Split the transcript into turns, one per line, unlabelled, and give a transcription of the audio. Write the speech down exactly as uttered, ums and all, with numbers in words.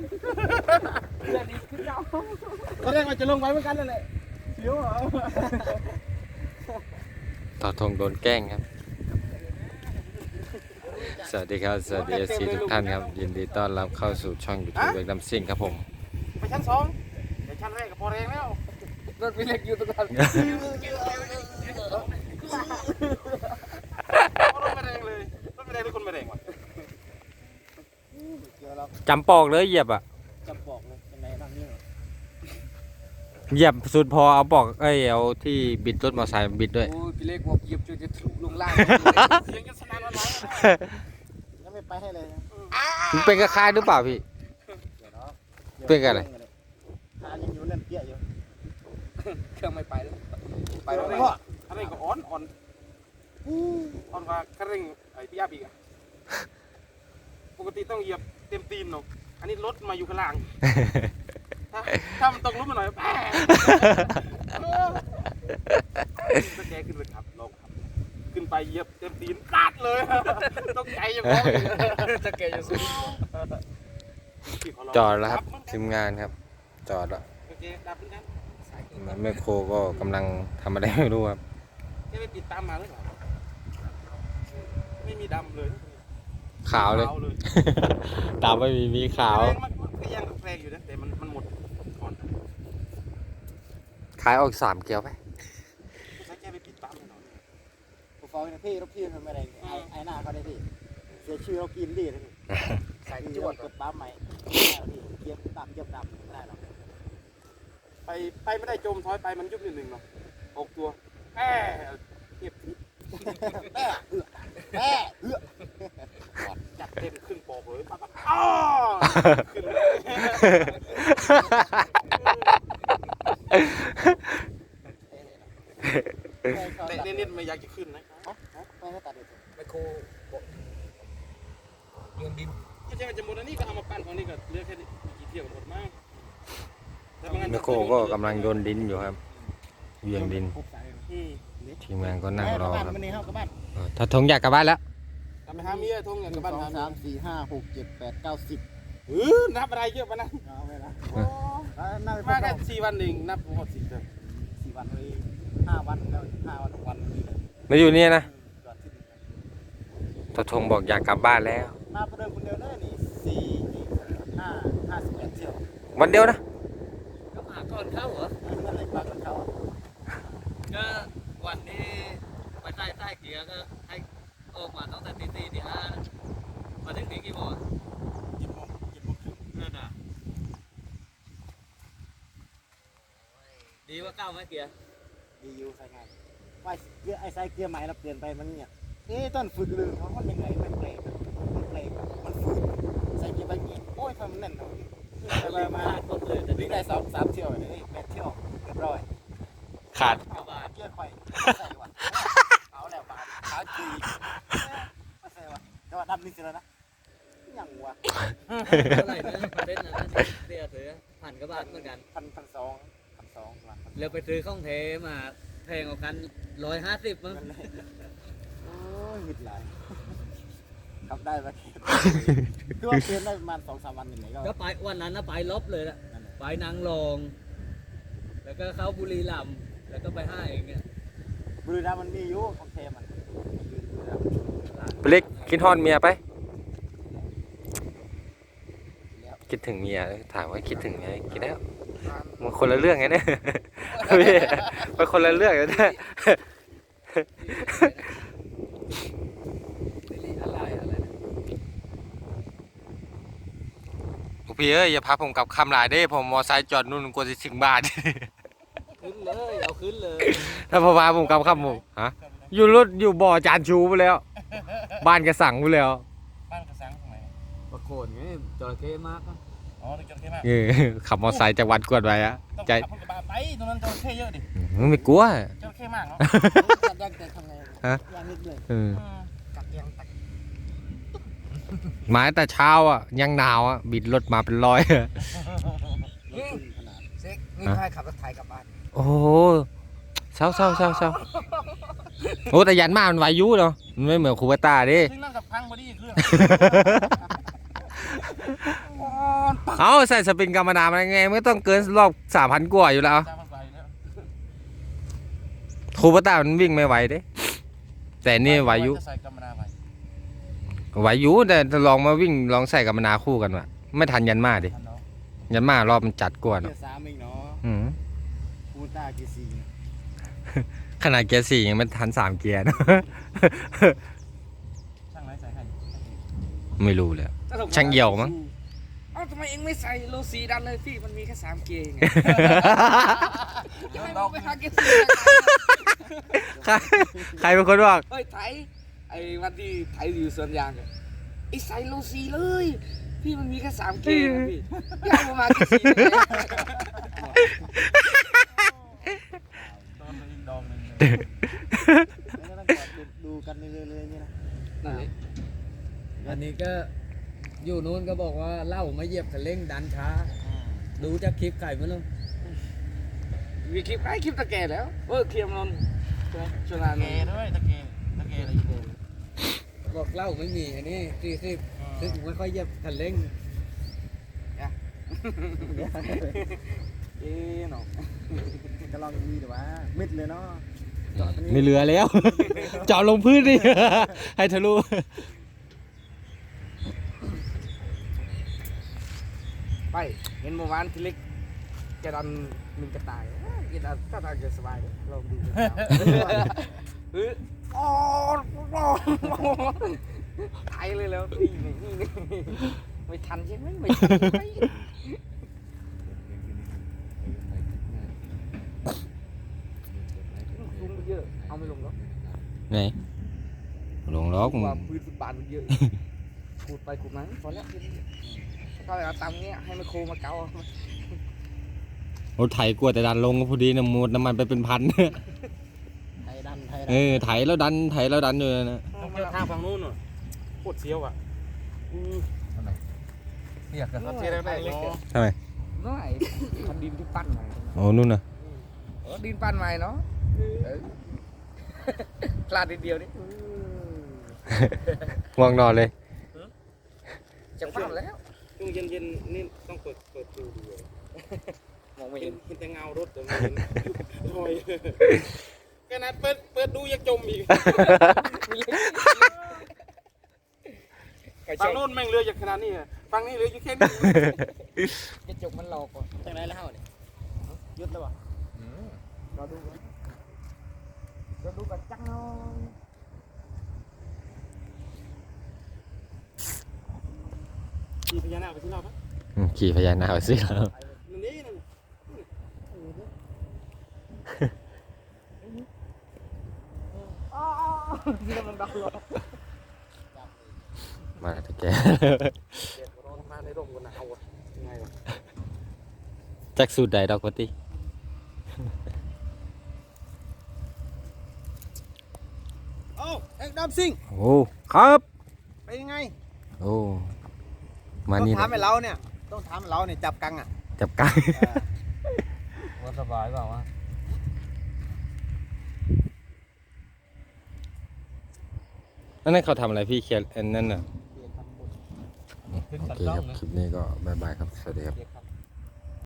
เรื่องนี้ขึ้นเจ้า
ก็เรียกว่าจะลงไปเหมือนกันนั่นแหละเสียวเหรอ
ต่อธงโดนแกล้งครับสวัสดีครับสวัสดีเอฟซีทุกท่านครับยินดีต้อนรับเข้าสู่ช่องยูทูบเว็กดัมซิ่งครับผม
ไปชั้นสองไปชั้นแรกก็พอแรงแล้ว
รถมีเล็กอยู่ตรงนั้น
รถไม่แรงเลยรถไม่แรงหรือคนไม่แรงวะ
จำปอกเลยเหยียบอ่ะ
จำบอกเลยยังไงนั่งนี่เหรอ
เหยียบสุดพอเอาปอกเอ้ยเอาที่บิดรถมอเตอร์ไซค์บิดด้วย
โอ้ยพี่เล็กบอกเหยียบจนจะถูกลงล่าง
เสียงกันสนั่นวันไหวยังไม่ไปให้เลย
มันเป็นกระคายหรือเปล่าพี่ เป็นอะไร
หายังอยู่เล่นเปี้ยอยู่
เครื่องไม่ไปแล้ว
ไปแล้วอะไรก็อ่อนอ่อนอ่อนกว่าคันเร่งไอ้พี่ยาบีกอะปกติต้องเหยียบเต็มตีนเนาะอันนี้รถมาอยู่ข้างล่างถ้าถ้ามันตกลุกมาหน่อยแป๊ะตะแกขึ้นเลยครับลงครับขึ้นไปเหยียบเต็มตีนกัดเลยต้องใจยังไง
จะเกยจะสุด
จอดแล้วครับทีมงานครับ จอดแล้ว
โอเคดับเหมือนกัน
แม่โคก็กำลังทำอะไรไม่รู้ครับ
จะไปติดตามมาหรือเปล่าไม่มีดำเลย
ขาวเลย ตามไม่มีมีขาว
แรงมันก็ยังแรงอยู่นะแต่มันมันหมดก่อน
ขายออกสามเกียวไป
ใช้แค่ไปติดตามหน่อย
ผมฟ้องนะพี่รถพี่ทำอะไรไอ้ไอ้หน้าเขาได้พี่เสียชื่อเรากินดีนะพี่
ใส่
จ
จ
ว
ว
ด
ด
กับปั๊มใหม่พี่เยียบดำเยียบดำไม่ได้หรอก
ไปไปไม่ได้จมถอยไปมันยุบนิดหนึ่งเนาะหกตัวแอบเก็บทิศ
แม่เอือแม่เอือ
จัดเต็มขึ้นปอกเลยปั๊บปั๊บอ้อขึ้นเลยแต่นิดๆไม่อยากจะขึ้นนะ
ไม่ให้ตัดเลย
ไมโครโยนดิน
ไม่ใช่ว่าจะหมดอันนี้ก็เอามาปั้นของนี่ก็เหลือแค่นี้กี่เที่ยวหมดมาก
แม่โคก็กำลังโยนดินอยู่ครับเวียงดิน
อืม
ทีมงานก็นั่งรอครับ
มันนี่เข้ากระบ้าน
เออถ้าทงอยากกลับบ้านแล้ว
ทำไปหาเมียทงอย่างกับบ้าน
สอง
หา
สามสี่ห้าหกเจ็ดแปดเก้าสิบ
เออนับอะไรเยอะปะนะ
เอาไปละน่าจะ
มาแค่สี่วันเองนับหมดสี่เดือน
สี่วันเลยห้าวันแล้วห้าวันวันนี้เลย
มาอยู่นี่นะ
จอดที่นี่
ถ้าทงบอกอยากกลับบ้านแล้ว
มาประเดิมคนเดียวเลยนี่สี่ห้าห้าสิบเอ็ดเที่ยว
วันเดียวนะ
ก็มาก่อนเข้าเหรอ
นั่นเลยปลาเขา
ก็วันนี้ไปใต้ใต้เกียร์ก็ให้ออกมาตั้งแต่ตีสี่ตีห้ามาถึงนี่กี่โมง
ยิบโมงยิบโมงครึ่ง
นั่นน่ะดีว่าก้าวไหมเกียร์
ดีอยู่ใส่งานว่าเกียร์ไอ้ใส่เกียร์ใหม่เราเปลี่ยนไปมันเนี่ยเอ๊ะต้นฝึกลืมเขามันยังไงมันเบรกมันเบรกมันฝืนใส่เกียร์ไปงี้โอ้ยทำมันแน่นเลยไปไปมา
ขาดหมดเลยแต่
วิ่
นี่
งได้สองสามเที่ยวเลยแปดเที่ยวเรียบร้อย
ขาด
กระบาด
เกียร์ไปใส่ว่ะเอาแล้วบาทขาจีมาใส่ว่ะแต่ว่าดำนี่สิแล้วนะยังวะ
เท่าไหร่นะเส้นนั้นเสียเสือผ่านกระบาดเหมือนกัน
พันพันสองพันสองล้าน
แล้วไปซื้อข้องเทมาแพงกว่ากันร้อยห้าสิบมั้ง
โอ้ยหิดหลายขับได้ปะคือว่าเปลี่ยนได้ประมาณสองสามวันอย่างไรก็
ก็ไปวันนั้นนะไปลบเลยละไปนางรอง แล้วก็เข้าบุรีรัมย์แล้วก็ไปห้าเองเนี่ย
บุรีรัมย์มันมีอยู่ของเทมัน
เล็กคิดฮอนเมียไป คิดถึงเมียถามว่าคิดถึงเมียคิดแล้วมันคนละเรื่องไงเนี่ยพี่มันคนละเรื่องเลยนะ
อะไรอะไรนะ
พี่เอ้ยอย่าพาผมกลับคำหลายเด้ผมมอไซค์จอดนู่นกลัวจะถึงบ้าน
ขึ้นเลยเอาขึ้นเลย
ถ้าพอพาผมกลับคำผมฮะอยู่รถอยู่บ่อจานชูไปแล้ว บ้านกระสังไปแล้ว
บ้านกระสังตรงไหน
ปรากฏไงจระเข้มากอะ
อ๋อตรงจระเข้มาก
เออขับมอไซค์จากวัดกวดไปอะ
ต้อง
ใจ
ขับรถกระบะไปตรงนั้นจระเข้เยอะดิ
มึงไม่กลัว
จระเข้มากเนาะ
ยักแต่ทำไง
ฮะ
ยังนิดเลย
เออ
กัดยังตัก
มาแต่เช้าอ่ะยังหนาวอ่ะบิดรถมาเป็นร้อยอะ
ขนาด
เซ็กนี่ใครขับรถไถกลับบ้าน
โอ้โหเศร้าเศร้าเศร้าเศร้าโอ้แต่ยันมามันวายุเนาะมันไม่เหมือนคูเปต้าดิ
ซึ่งนั่งกับพังพอดีเครื่อง
เอาใส่สปริงกรรมนามันไงไม่ต้องเกินรอบสามพันกว่าอยู่แล้ว
จ้ามาใส่แล้ว
คูปต้ามันวิ่งไม่ไหวเด้แต่นี่ไหวอยุ
จะใส่กรรมนาไป
ไหวอยุแต่ลองมาวิ่งลองใส่กรรมนาคู่กันว่ะไม่ทันยันมาดิ
ทันเนาะ
ยันมารอบมันจัดกว่า
เกี
เนาะ
ยร์สามเองเนาะ
อืม
คูต้าเกียร์สี่
ขนาดเกียร์สี่ยังไม่ทันสามเกียร์เนอะ
ช่างไรใส่ให้
ไม่รู้เลยช่างเอี่ยวมั้ง
เอ้าทำไมเองไม่ใส่โลซีดันเลยพี่มันมีแค่สามเกียร์ไงทำไมมึงไปหาเกียร์สี่
ใครใครเป็นคนบอก
เฮ้ยไถไอ้วันที่ไถอยู่สวนยางอะไอ้ใส่โลซีเลย พี่มันมีแค่สามเกียร์นะพี่อยากมาเกียร์สี่เลย
โดนไปอีกดอกหนึ่งเลย
แล้วก็ต้องจอดดูดูกันเรื่อยๆนี่นะ
นั่นแหละอันนี้ก็อยู่นู้นก็บอกว่าเล่ามาเหยียบคันเร่งดันช้า ดูจากคลิปไก่มาแล้วมีคลิปไก่คลิปตะแก่แล้วเออเคลียร์มันใช่ไหมชวนาน
เกด้วยตะเกตะเกอะไรอยู่
บอกเล่าไม่มีอันนี้สี่สิบซึ่งไม่ค่อยเหยียบคันเร่ง
เอ๊ะเนาะ
ก็ลองมีแต่ว่ามิดเลยเนาะจอดตรงนี้
ไม่เหลือแล้ว เจาะลงพื้นดิ ให้ทะลุ
ไปเห็นเมื่อวานที่เล็กแกดันมินกระต่ายแกดันถ้าทางจะสบายเลยลองดูเอออ๋อไทยเลยแล้วนี่นี่นี่ไม่ทันใช่ไหมไม่ทันใช่ไหมลงไปเยอะเอาไม่ลงหรอก
ไหนลงล็อก
ว่าพื้นฟุตบาทมันเยอะขูดไปขูดมาพอแล้วก็เอาตังค์เนี้ยให้ไมโครมาเการ
ถไถกลัวแต่ดันลงก็พอดีนะหมดน้ำมันไปเป็นพัน
ไทยดันไทย
เอ
ดัน
อไถแล้วดันไถแล้วดันอยู่นะ
ต้องเที่ยวทางฝั่งนู้นน่ะโคตรเสียวอ่ะ
เรียกกัน
เราเที่ยวได้เล็ก
ทำไม
น้อยคันดินที่ปั้นใหม่
โอ้นู่นน่ะ
เออดินปั้นใหม่เนาะเออพลาดนิดเดียวนี่
ง่วงนอนเลย
จะปั้นแล้ว
ช่วงเย็นๆนี่ต้องเปิดเปิดดูดู
มองไม่
เห็
เห็
น
น
เห็นแต่เงารถแต่ไม่เห็นลอยขนาดเปิดเปิดดูยังจมอีกฝั่งโน้นแม่งเรืออย่างขนาดนี้อะฝั่งนี้เรืออยู่แค่นี้
กระจกมันหลอกก่อน
จังไรแล้วเนี่ยยุดแล้ววะ
รอดูก่อนรอดูกันจังน้อย
ขี่พญานาคไปที่เราปะ
อืมขี่พญานาคสิครับ
นั่นนี่นั่น
นี่มันดังหรอ
มาตะแก
เดี๋ยวเราทำงานในร่มกันหนาวอ่ะยังไงวะ
จักสูดใดดอกปติ
โอ้เอ็กดัมซิง
โอ้ครับ
ไปยังไง
โอ้มา
ต้อง
นี่
ถามไอ้เราเนี่ยต้องถามไอ้เราเนี่ยจับกังอ่ะ
จับกัง
ว่าสบายเปล่าวะ
นั่นเขาทำอะไรพี่เคียนอันนั่นน่ะ
ขึ้น
โอ
ตัด
เค
กล้อ
ค
ง
รับ
นะ
คลิปนี้ก็บายบายครับ สวัสดีครับ
เรียกครับ